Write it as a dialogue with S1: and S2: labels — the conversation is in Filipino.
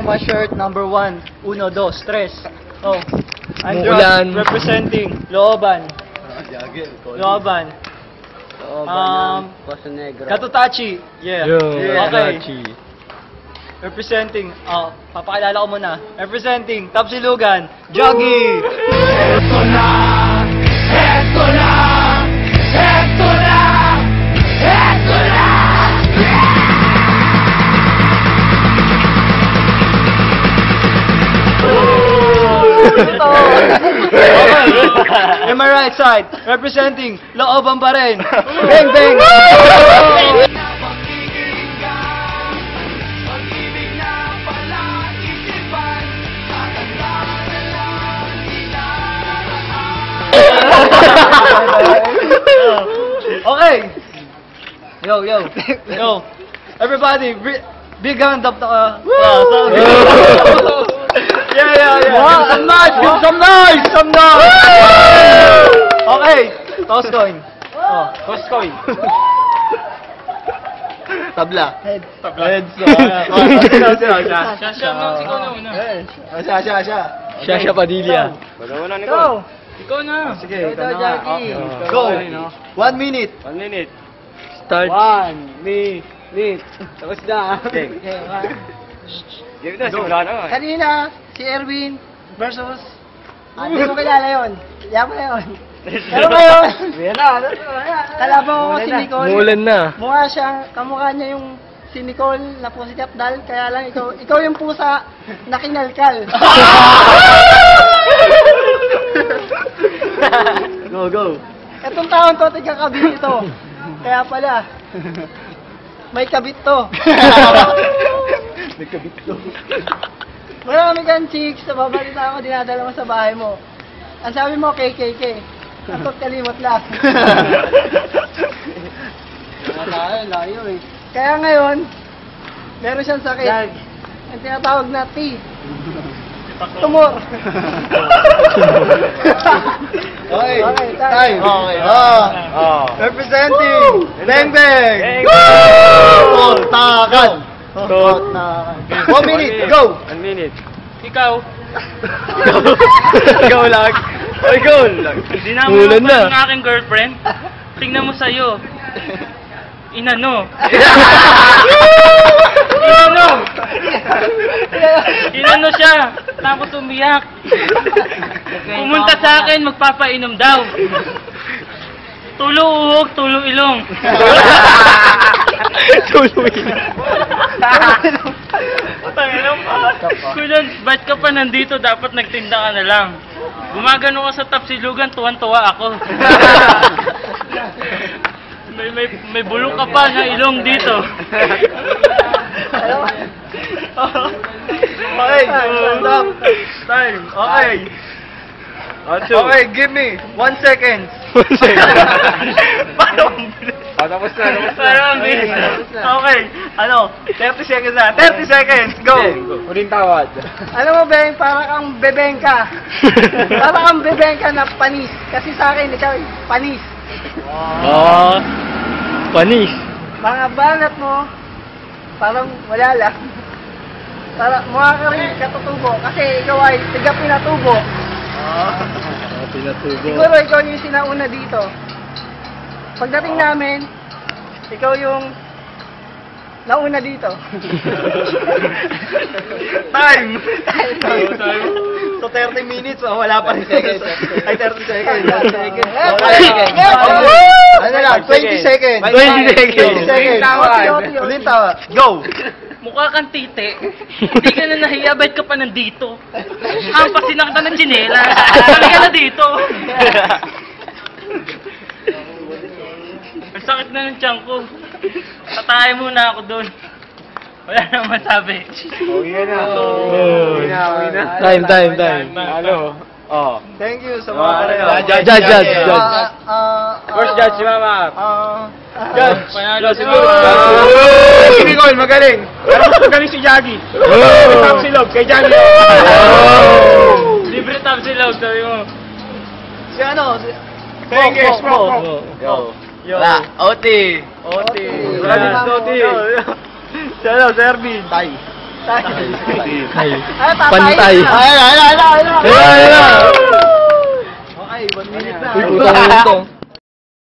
S1: Roma shirt number 1. 1, 2, 3. Oh.
S2: Mulan.
S1: Representing Looban. Looban.
S3: Costa Negra.
S1: Katutachi. Yeah.
S2: Yo,
S1: Okay.
S2: Rachi.
S1: Representing, papakilala ko muna. Representing Tapsilugan, Joggy.
S4: Eto na! Eto na! Eto na! Eto na!
S1: In my right side, representing Looban pa rin. Bang bang! Okay. Yo. Everybody, big hand up. Yeah.
S2: Some noise! Give some noise!
S1: Some noise! Okay. Toss coin. Toss coin.
S2: Tabla.
S1: Heads.
S2: Shasha Padilla.
S1: Go.
S3: Ikaw na.
S1: Sige,
S3: Ito, Jackie.
S1: Go. 1 minute.
S3: 1 minute.
S2: Start.
S3: 1 minute. Tapos na. Give na, simula na.
S5: Kanina, si Erwin versus... Hindi mo kilala yun. Yan mo yun. Pero ngayon, kalaban ko si Nicole.
S2: Mulan na.
S5: Kamukha niya yung si Nicole na po si Kapdal. Kaya lang ikaw yung pusa na kinalkal.
S1: Go.
S5: Itong taon to, tigakabit ito. Kaya pala, may kabit to. Marami kang chicks, nababalita ako, dinadala mo sa bahay mo. Ang sabi mo, KKK. Takot kalimot lang.
S3: Layo eh.
S5: Kaya ngayon, meron siyang sakit. Ang tinatawag na T. Tumor.
S1: Okay.
S5: Time.
S1: Okay. Representing Bang Bang. Totakan. 1 minute. Go.
S3: 1 minute.
S6: Ikaw,
S2: Ikaw lang. Ikaw lang.
S6: dinamo
S2: Mulan
S6: mo
S2: na.
S6: pa ng aking girlfriend. Tingnan mo sa'yo. Inano. Inano siya. Tapos umiyak. Pumunta sa akin, magpapainom daw. Tulo uhog, tulo ilong. Kuya, ba't ka pa nandito? Dapat nagtinda ka na lang. Gumagano ka sa Tapsilugan, tuwan-tuwa ako. May bulok ka pa na ilong dito.
S1: Okay. Stop. Time. Okay. Okay, give me 1 second.
S3: Tapos na.
S6: Parang bilis.
S1: Okay. 30 seconds na. 30 seconds. Go.
S3: Huling tawad.
S5: Alam mo, Beng, para kang bebengka. Para kang bebengka na panis. Kasi sa akin, ikaw, panis.
S2: Panis.
S5: Mga banat mo, parang wala lang. Para mukha ka rin katutubo. Kasi ikaw ay tiga pinatubo.
S2: Pinatubo.
S5: Siguro ikaw yung sinauna dito. Pagdating namin, ikaw yung nauna dito.
S1: Time. So 30 minutes, wala pa rin seconds. Ay, 30 seconds. Ano lang, 20 seconds.
S2: 20 seconds.
S1: 20 seconds. Ulit tawa. Go.
S6: Mukha kang tite. Hindi ka na nahiya, ba't ka pa nandito? Hampasin na kita ng tsinela. Kali ka na dito. Ang sakit na ng tiyan ko. Tatay muna ako doon. Wala nang masabi.
S2: Time.
S3: Ano?
S1: Thank you sa mga
S2: Judge.
S3: First judge si Mama.
S1: Judge.
S6: Panalo si
S1: Si Nicole, magaling. Pero mas magaling si Jaggy. Tapsilog kay Jaggy.
S6: Libre Tapsilog, sabi mo.
S1: Si ano? Sige, smoke. Yo.
S2: OT.
S1: Oti. Si ano, Serbi. Tay.
S2: Ay.
S5: Ay, tatay.
S2: Pantay.
S5: Ay,
S2: Ayun na.
S1: Okay, 1 minute na.
S2: Uy, putang ina to.